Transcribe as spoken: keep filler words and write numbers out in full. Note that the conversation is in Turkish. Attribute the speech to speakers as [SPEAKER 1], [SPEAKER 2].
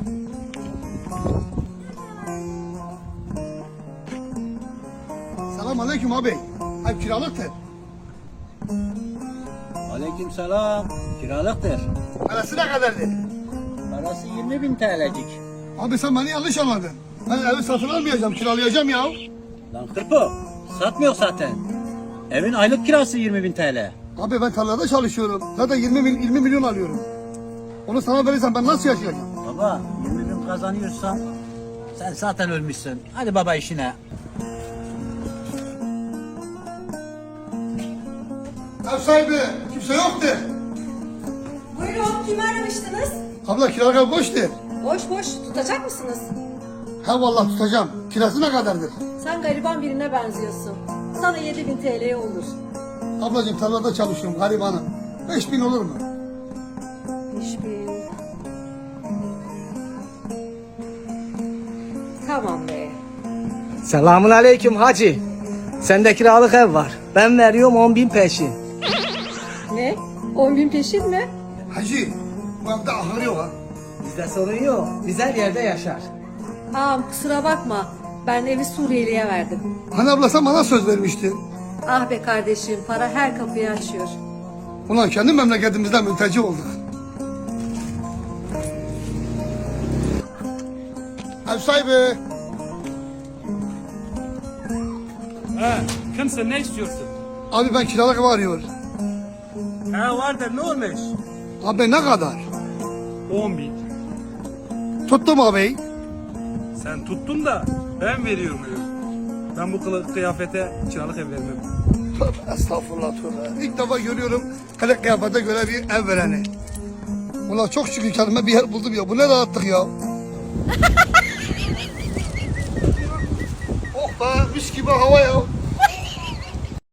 [SPEAKER 1] Selam aleyküm abi. Ev kiralıktır.
[SPEAKER 2] Aleykümselam. Kiralıktır.
[SPEAKER 1] Parası ne kadardır?
[SPEAKER 2] Parası yirmi bin T L'cik.
[SPEAKER 1] Abi sen beni yanlış anladın. Ben evi satın almayacağım, kiralayacağım ya.
[SPEAKER 2] Lan kırpo. Satmıyor zaten. Evin aylık kirası yirmi bin T L.
[SPEAKER 1] Abi ben tarlada çalışıyorum. Zaten yirmi, mil- yirmi milyon alıyorum. Onu sana verirsem ben nasıl yaşayacağım?
[SPEAKER 2] Baba yirmi bin kazanıyorsan sen zaten ölmüşsün. Hadi baba işine.
[SPEAKER 1] Ev sahibi kimse yoktu.
[SPEAKER 3] Buyurun, kimi aramıştınız?
[SPEAKER 1] Abla kiralık ev boştu.
[SPEAKER 3] Boş boş, tutacak mısınız?
[SPEAKER 1] Ha vallahi tutacağım. Kirası ne kadardır?
[SPEAKER 3] Sen gariban birine benziyorsun. Sana yedi bin T L olur.
[SPEAKER 1] Ablacığım tarlada çalışıyorum garibanım. Beş bin olur mu?
[SPEAKER 3] Beş bin. Tamam be.
[SPEAKER 4] Selamun aleyküm hacı. Sende kiralık ev var. Ben veriyorum on bin peşin.
[SPEAKER 3] Ne? On bin peşin mi?
[SPEAKER 1] Hacı bu evde ahır yok ha.
[SPEAKER 4] Bizde sorun yok. Biz her yerde yaşar.
[SPEAKER 3] Ağam kusura bakma. Ben evi Suriyeli'ye verdim.
[SPEAKER 1] Hani abla sen bana söz vermiştin.
[SPEAKER 3] Ah be kardeşim, para her kapıyı açıyor.
[SPEAKER 1] Ulan kendi memleketimizden mülteci olduk. Ev sahibi.
[SPEAKER 5] He, kimsin, ne istiyorsun?
[SPEAKER 1] Abi ben kiralık ev arıyorum.
[SPEAKER 5] He vardır, ne olmuş?
[SPEAKER 1] Abi ne kadar?
[SPEAKER 5] On bin.
[SPEAKER 1] Tuttum abi.
[SPEAKER 5] Sen tuttun da ben veriyor muyum? Ben bu kılık kıyafete kiralık ev vermem.
[SPEAKER 1] Tövbe estağfurullah tövbe. İlk defa görüyorum kılık kıyafete göre bir ev vereni. Ulan çok şükür kendime bir yer buldum ya. Bu ne rahatlık ya. Oh be mis gibi hava ya.